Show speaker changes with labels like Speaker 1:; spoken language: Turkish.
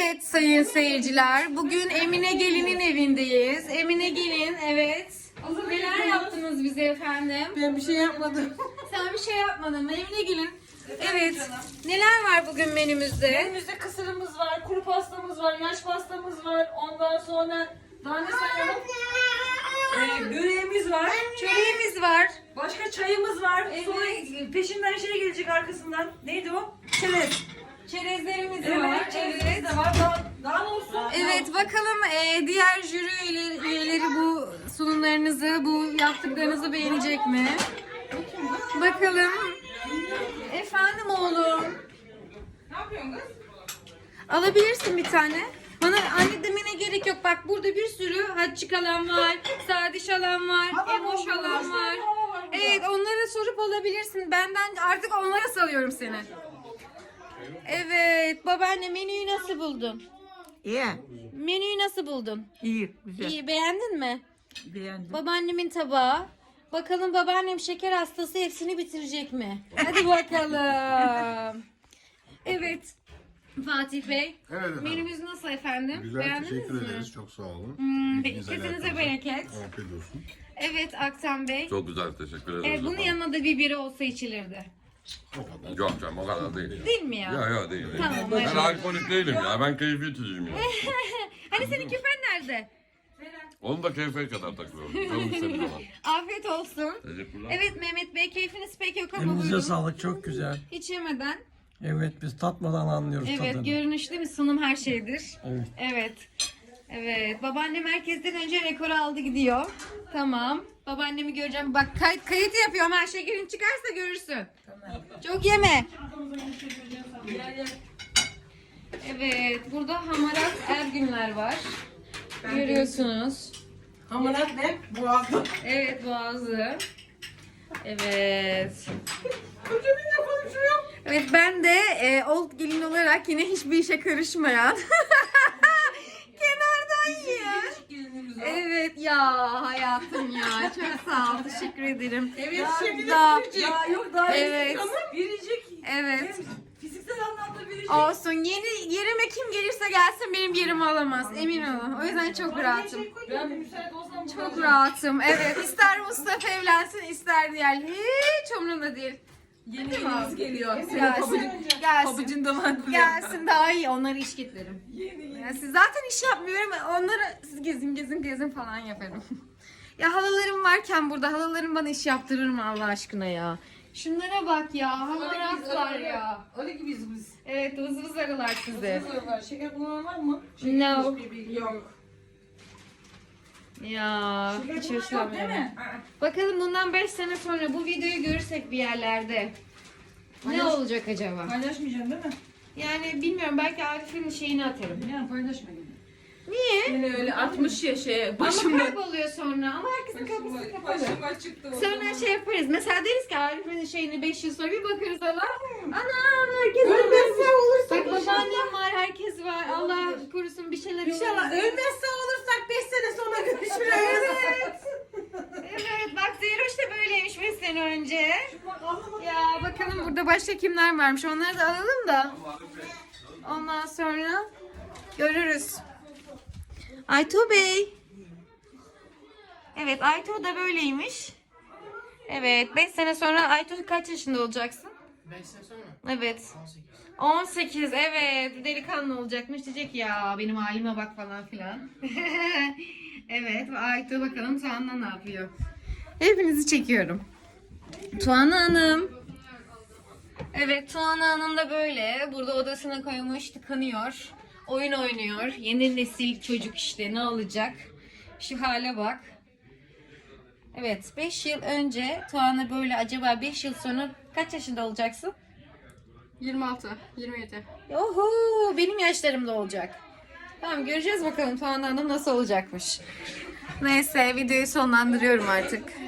Speaker 1: Evet sayın seyirciler, bugün Emine Gelin'in evindeyiz. Emine Gelin, evet. Neler yaptınız bize efendim?
Speaker 2: Ben bir şey yapmadım.
Speaker 1: Sen bir şey yapmadın mı Emine Gelin? Evet. Neler var bugün menümüzde?
Speaker 2: Menümüzde kısırımız var, kuru pastamız var, yaş pastamız var. Ondan sonra daha ne sayalım? Böreğimiz var.
Speaker 1: Çöreğimiz var.
Speaker 2: Başka çayımız var.
Speaker 1: Evet.
Speaker 2: Sonra peşinden şey gelecek arkasından. Neydi o? Çerez.
Speaker 1: Çerezlerimiz var.
Speaker 2: Evet, çerezimiz de var. Daha ne olsun?
Speaker 1: Evet, bakalım diğer jüri üyeleri bu sunumlarınızı, bu yaptıklarınızı beğenecek mi? Bakalım. Efendim oğlum.
Speaker 2: Ne yapıyorsun kız?
Speaker 1: Alabilirsin bir tane. Bana anne demene gerek yok. Bak burada bir sürü Hatice alan var, Sadiş alan var, Emoş alan var. Evet, onlara sorup alabilirsin. Benden artık onlara salıyorum seni. Evet, babaanne menüyü nasıl buldun?
Speaker 2: İyi.
Speaker 1: Menüyü nasıl buldun?
Speaker 2: İyi. Güzel.
Speaker 1: İyi, beğendin mi?
Speaker 2: Beğendim.
Speaker 1: Babaannemin tabağı. Bakalım babaannem şeker hastası hepsini bitirecek mi? Hadi bakalım. Evet. Fatih Bey.
Speaker 3: Evet efendim.
Speaker 1: Menümüz nasıl efendim?
Speaker 3: Güzel,
Speaker 1: Beğendiniz
Speaker 3: teşekkür
Speaker 1: mi?
Speaker 3: ederiz. Çok sağ olun.
Speaker 1: Kesinize
Speaker 3: alakalı.
Speaker 1: bereket.
Speaker 3: Afiyet olsun.
Speaker 1: Evet Aktan Bey.
Speaker 4: Çok güzel, teşekkür ederiz.
Speaker 1: Evet, bunun
Speaker 4: efendim.
Speaker 1: yanına da bir biri olsa içilirdi.
Speaker 3: O kadar.
Speaker 4: Yok canım, o kadar değil.
Speaker 1: Değil mi ya?
Speaker 4: Ya değil.
Speaker 1: Tamam,
Speaker 4: Ben
Speaker 1: evet.
Speaker 4: alkolik değilim ya, ben keyfi içiciyim ya.
Speaker 1: Hani senin küpen nerede?
Speaker 4: Onu da keyfe kadar takıyorum. Canım istediği zaman.
Speaker 1: Afiyet olsun.
Speaker 4: Teşekkürler.
Speaker 1: Evet Mehmet Bey, keyfiniz pek yok ama
Speaker 5: Elinize
Speaker 1: buyurun.
Speaker 5: sağlık, çok güzel.
Speaker 1: Hiç yemeden.
Speaker 5: Evet, biz tatmadan anlıyoruz
Speaker 1: Evet,
Speaker 5: tadını.
Speaker 1: görünüş değil mi? Sunum her şeydir.
Speaker 5: Evet.
Speaker 1: Evet. Evet. Babaannem herkesten önce rekoru aldı gidiyor. Tamam. Babaannemi göreceğim. Bak kayıt yapıyorum. Her şekerin çıkarsa görürsün. Çok yeme. Evet. Burada hamarat Ergünler var. Görüyorsunuz.
Speaker 2: Hamarat ne? Boğazlı.
Speaker 1: Evet, boğazı. Evet.
Speaker 2: Kocaminle konuşuyor.
Speaker 1: Evet, ben de old gelin olarak yine hiçbir işe karışmayan kenardan yiyen. Evet ya hayatım ya, çok sağ ol, teşekkür ederim.
Speaker 2: Evet, şimdi
Speaker 1: Daha-
Speaker 2: daha yok daha
Speaker 1: Evet.
Speaker 2: biricik.
Speaker 1: Evet.
Speaker 2: Fiziksel anlamda biricik.
Speaker 1: Olsun, yerime kim gelirse gelsin benim yerimi alamaz, emin olun. O yüzden çok rahatım.
Speaker 2: Ben de müsait olsam
Speaker 1: Çok rahatım, evet. İster Mustafa evlensin, ister diğer, hiç umurumda değil.
Speaker 2: Yeni yenimiz geliyor.
Speaker 1: Gelsin, gelsin.
Speaker 2: Pabucun damarı.
Speaker 1: Gelsin, daha iyi, onları iş getiririm. Ya siz zaten iş yapmıyorum, onları siz gezin falan yaparım. Ya halalarım varken burada, halalarım bana iş yaptırır mı Allah aşkına ya? Şunlara bak ya, hamaratlar ya.
Speaker 2: Öyle gibiyiz biz.
Speaker 1: Evet, vız vız arılar sizi.
Speaker 2: Şeker kullanan var mı?
Speaker 1: No.
Speaker 2: Yok.
Speaker 1: Ya, hiç
Speaker 2: Şeker kullanan yok değil
Speaker 1: hoşlanmıyorum.
Speaker 2: mi?
Speaker 1: Bakalım bundan 5 sene sonra bu videoyu görürsek bir yerlerde. Ne olacak acaba?
Speaker 2: Paylaşmayacaksın değil mi?
Speaker 1: Yani bilmiyorum, belki Arif'in şeyini atarım.
Speaker 2: Yani paylaşma gibi.
Speaker 1: Niye?
Speaker 2: Yine öyle 60 şeye
Speaker 1: Ama
Speaker 2: başıma.
Speaker 1: kayboluyor sonra. Ama herkesin kapısı kapalı.
Speaker 2: Başıma çıktı.
Speaker 1: Sonra şey yaparız. Mesela deriz ki Arif'in şeyini 5 yıl sonra bir bakarız Allah. Ana herkes ölmezse olursak. Bak babaannem var, herkes var. Allah korusun bir şeyler olur.
Speaker 2: İnşallah ölmezse olursak 5 sene sonra görüşürüz.
Speaker 1: Evet. Evet, bak Zeyroş da böyleymiş 5 sene önce. Ya bakalım burada başka kimler varmış. Onları da alalım da. Ondan sonra görürüz. Aytuğ Bey. Evet, Aytuğ da böyleymiş. Evet, 5 sene sonra Aytuğ kaç yaşında olacaksın?
Speaker 5: 5 sene sonra
Speaker 1: Evet.
Speaker 5: 18.
Speaker 1: 18, evet. Delikanlı olacakmış. Diyecek ya benim halime bak falan filan. Evet, Aytuğ bakalım Tuğan'la ne yapıyor? Hepinizi çekiyorum. Tuğan Hanım. Evet, Tuğan Hanım da böyle. Burada odasına koymuş, tıkanıyor. Oyun oynuyor. Yeni nesil çocuk işte, ne olacak? Şu hale bak. Evet, 5 yıl önce Tuğan'a böyle, acaba 5 yıl sonra kaç yaşında olacaksın?
Speaker 6: 26, 27.
Speaker 1: Oho, benim yaşlarımda olacak. Tamam, göreceğiz bakalım Tuğan Hanım nasıl olacakmış. Neyse, videoyu sonlandırıyorum artık.